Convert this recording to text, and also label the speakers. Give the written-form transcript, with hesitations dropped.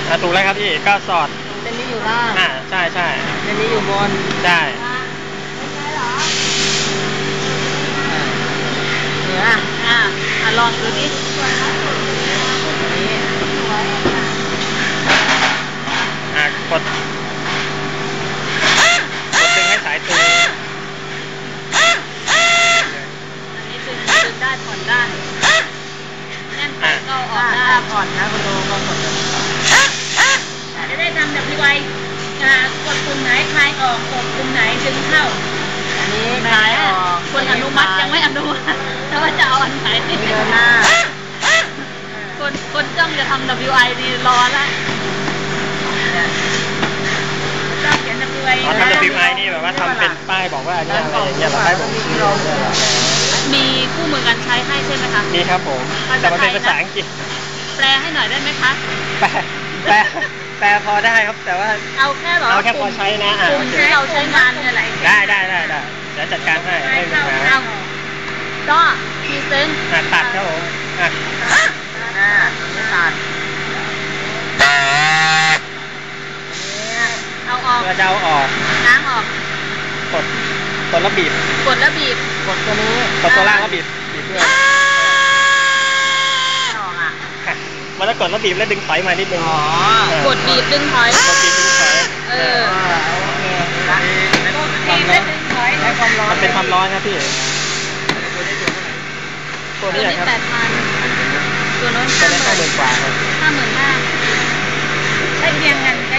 Speaker 1: ถูกแล้วครับพี่ก็สอด
Speaker 2: เส้นนี้อยู่ล่าง
Speaker 1: ใช่เ
Speaker 2: ส้นนี้อยู่บน
Speaker 1: ใช่
Speaker 2: ลองดูดิ
Speaker 1: กดดึงให้สายตึง
Speaker 2: อันนี้ดึงได้ผ่อนได้แน่นไปก็ออกได้ผ่อนนะคุณดูก็กดจะได้ทำแบบไวกดปุ่มไหนคลายออกกดปุ่มไหนดึงเข้าอันนี้คลายออกคนอนุมัติยังไม่อนุมัติถ้าว่าจะเอาอันไหนเดินหน้าคนจ้องจะทำ WI ดีรอละจ้องเขียน WI
Speaker 1: ทำ WI นี่แบบว่าทำเป็นป้ายบอกว่าอันนี้อะไรอย่างเงี้ยเราได้ผม
Speaker 2: มีคู่มือการใช้ให้ใช่ไหมคะ
Speaker 1: มีครับผมแต่มันเป็นภาษาอังกฤษ
Speaker 2: แปลให้หน่อยได้ไหมคะ
Speaker 1: แปลพอได้ครับแต่ว่า
Speaker 2: เอาแค่
Speaker 1: พอใช้นะ
Speaker 2: ที่เราใช้งานเนี่ยแหละ
Speaker 1: ได้เดี๋ยวจัดการให้ไม่มีปัญหา
Speaker 2: ก็พรีเซนต์
Speaker 1: ตัดครับผม
Speaker 2: ตัดเอาออก
Speaker 1: เราจะเอาออก
Speaker 2: ล้างออก
Speaker 1: กดแล้วบีบ
Speaker 2: กดตัวนี้
Speaker 1: กดตัวล่างแล้วบีบด้วย
Speaker 2: ออก
Speaker 1: มันจะกดแล้วบีบแล้วดึงถอยมานิดนึง
Speaker 2: กดบีบดึงถอย
Speaker 1: โอเคมันเป็นความร้อนครับพี่
Speaker 2: ตัวนี้8,000ตัวโน้น
Speaker 1: 50,000 กว่าครับ
Speaker 2: 55,000ใช้เคียงกันใช้